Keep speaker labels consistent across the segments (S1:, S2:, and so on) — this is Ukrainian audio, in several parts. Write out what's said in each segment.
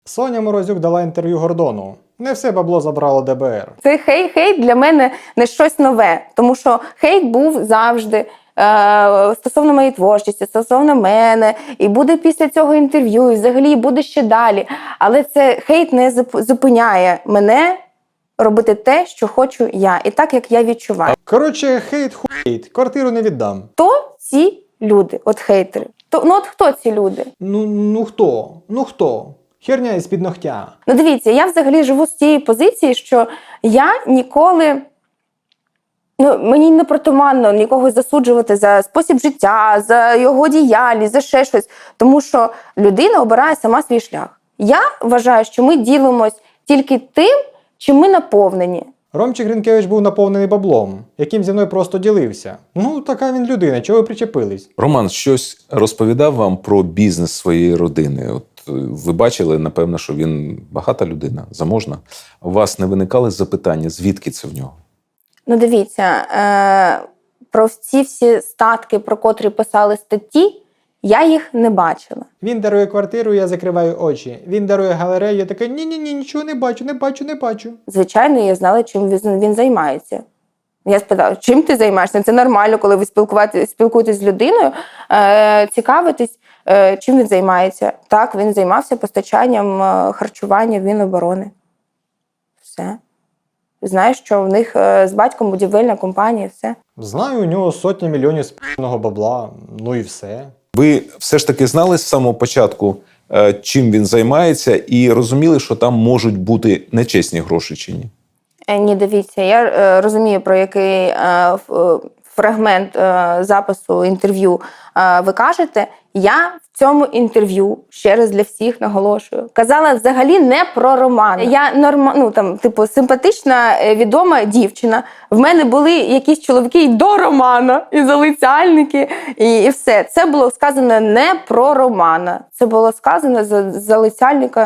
S1: Соня Морозюк дала інтерв'ю Гордону. Не все бабло забрало ДБР.
S2: Цей хейт для мене не щось нове, тому що хейт був завжди стосовно моєї творчості, стосовно мене, і буде після цього інтерв'ю, і взагалі буде ще далі. Але це хейт не зупиняє мене робити те, що хочу я, і так, як я відчуваю.
S1: Коротше, хейт, квартиру не віддам.
S2: Хто ці люди, от хейтери? От хто ці люди?
S1: Ну хто? Херня із-під ногтя.
S2: Ну дивіться, я взагалі живу з цієї позиції, що я ніколи, мені не притаманно нікого засуджувати за спосіб життя, за його діяльність, за ще щось. Тому що людина обирає сама свій шлях. Я вважаю, що ми ділимось тільки тим, чим ми наповнені.
S1: Ромчик Гринкевич був наповнений баблом, яким зі мною просто ділився. Ну, така він людина, чого ви причепились?
S3: Роман щось розповідав вам про бізнес своєї родини. От ви бачили, напевно, що він багата людина, заможна. У вас не виникали запитання, звідки це в нього?
S2: Ну дивіться, про ці всі статки, про котрі писали статті, я їх не бачила.
S1: Він дарує квартиру, я закриваю очі. Він дарує галерею, я така, ні, нічого не бачу.
S2: Звичайно, я знала, чим він займається. Я спитала, чим ти займаєшся? Це нормально, коли ви спілкуєтесь з людиною, цікавитесь, чим він займається. Так, він займався постачанням харчування в Міноборони. Все. Знаєш, що в них з батьком будівельна компанія, все.
S1: Знаю, у нього сотні мільйонів спільного бабла, ну і все.
S3: Ви все ж таки знали з самого початку, чим він займається, і розуміли, що там можуть бути нечесні гроші чи ні?
S2: Ні, дивіться, я розумію, про який фрагмент запису інтерв'ю ви кажете. Я в цьому інтерв'ю, ще раз для всіх наголошую, казала взагалі не про Романа. Я симпатична, відома дівчина. В мене були якісь чоловіки і до Романа, і залицяльники, і все. Це було сказано не про Романа. Це було сказано за залицяльника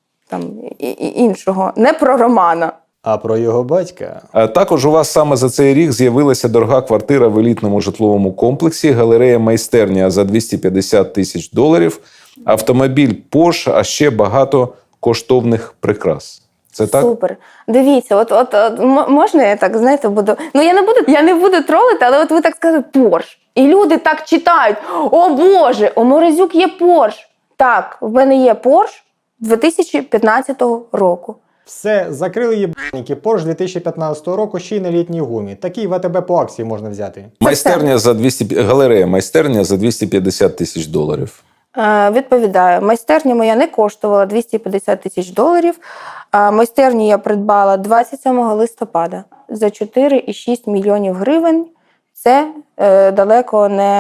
S2: іншого, не про Романа.
S1: А про його батька?
S3: Також у вас саме за цей рік з'явилася дорога квартира в елітному житловому комплексі, галерея-майстерня за $250 000, автомобіль Porsche, а ще багато коштовних прикрас. Це так?
S2: Супер. Дивіться, от можна я так, знаєте, буду... я не буду тролити, але от ви так сказали Porsche. І люди так читають. О Боже, у Морозюк є Porsche. Так, в мене є Porsche 2015 року.
S1: Все, закрили єбаніки. Porsche 2015 року ще й на літній гумі. Такий в АТБ по акції можна взяти.
S3: Галерея майстерня за $250 000.
S2: Відповідаю, майстерня моя не коштувала $250 000. Майстерню я придбала 27 листопада за 4,6 мільйонів гривень. Це далеко не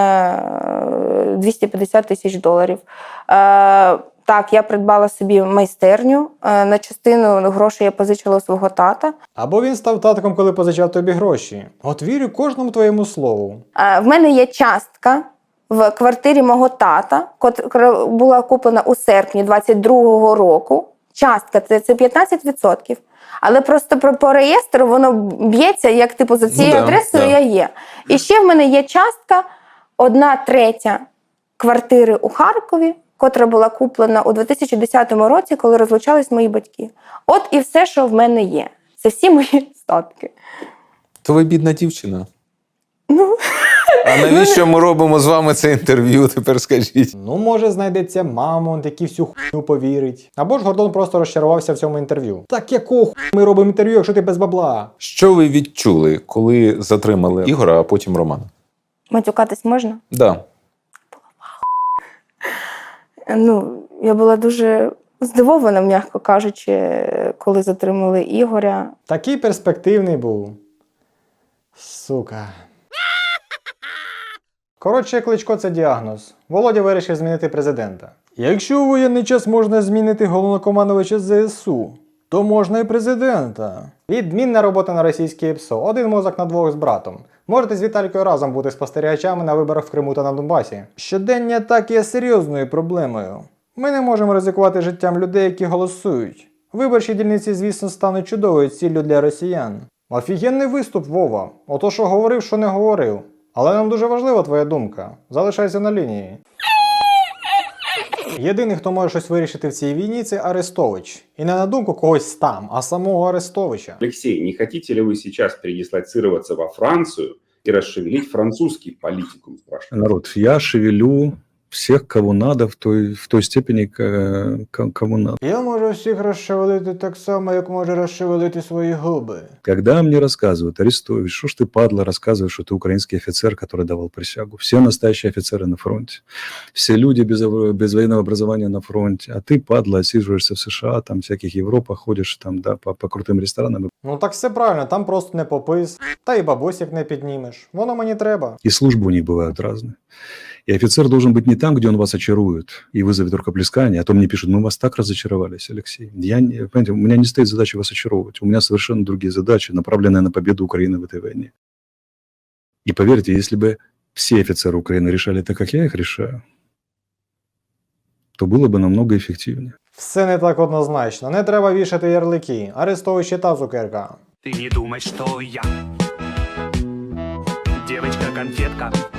S2: $250 000. Так, я придбала собі майстерню, на частину грошей я позичила у свого тата.
S1: Або він став татком, коли позичав тобі гроші. От вірю кожному твоєму слову.
S2: В мене є частка в квартирі мого тата, яка була куплена у серпні 22-го року. Частка – це 15%. Але просто по реєстру воно б'ється, як за цією адресою я є. І ще в мене є частка 1/3 квартири у Харкові, котра була куплена у 2010 році, коли розлучались мої батьки. От і все, що в мене є. Це всі мої статки.
S3: То ви бідна дівчина. А навіщо ми робимо з вами це інтерв'ю, тепер скажіть?
S1: Ну, може, знайдеться мамонт, який всю хуйню повірить. Або ж Гордон просто розчарувався в цьому інтерв'ю. Так якого хуй ми робимо інтерв'ю, якщо ти без бабла?
S3: Що ви відчули, коли затримали Ігора, а потім Романа?
S2: Матюкатись можна?
S3: Да.
S2: Я була дуже здивована, м'яко кажучи, коли затримали Ігоря.
S1: Такий перспективний був. Сука. Коротше, Кличко – це діагноз. Володя вирішив змінити президента. Якщо у воєнний час можна змінити головнокомандувача ЗСУ, то можна і президента. Відмінна робота на російській ПСО. Один мозок на двох з братом. Можете з Віталікою разом бути спостерігачами на виборах в Криму та на Донбасі. Щоденні атаки є серйозною проблемою. Ми не можемо ризикувати життям людей, які голосують. Виборчі дільниці, звісно, стануть чудовою ціллю для росіян. Офігенний виступ, Вова. Ото що говорив, що не говорив. Але нам дуже важлива твоя думка. Залишайся на лінії. Єдиний, хто може щось вирішити в цій війні, це Арестович. І не на думку когось там, а самого Арестовича.
S4: Алексей, не хотите ли вы сейчас передислоцироваться во Францию и расшевелить французский политикум, спрашиваю?
S5: Народ, я шевелю всех, кого надо, в той степени, кому надо.
S1: Я можу всіх розшевелити так само, як може розшевелити свої губи.
S5: Когда мне рассказывают, Арестович, что ж ты, падла, рассказываешь, что ты украинский офицер, который давал присягу. Все настоящие офицеры на фронте. Все люди без военного образования на фронте. А ты, падла, отсиживаешься в США, там, всяких Европах, ходишь там, да, по крутым ресторанам.
S1: Ну так все правильно, там просто не попис, та і бабосик не піднімеш. Воно мені треба.
S5: И службы у них бывают разные. И офицер должен быть не там, где он вас очарует и вызовет рукоплескание, а то мне пишут, мы вас так разочаровались, Алексей. Понимаете, у меня не стоит задача вас очаровывать. У меня совершенно другие задачи, направленные на победу Украины в этой войне. И поверьте, если бы все офицеры Украины решали так, как я их решаю, то было бы намного эффективнее.
S1: Все не так однозначно, не треба вішати ярлики. Арестович і та цукерка.
S6: Ты не думай, что я девочка-конфетка.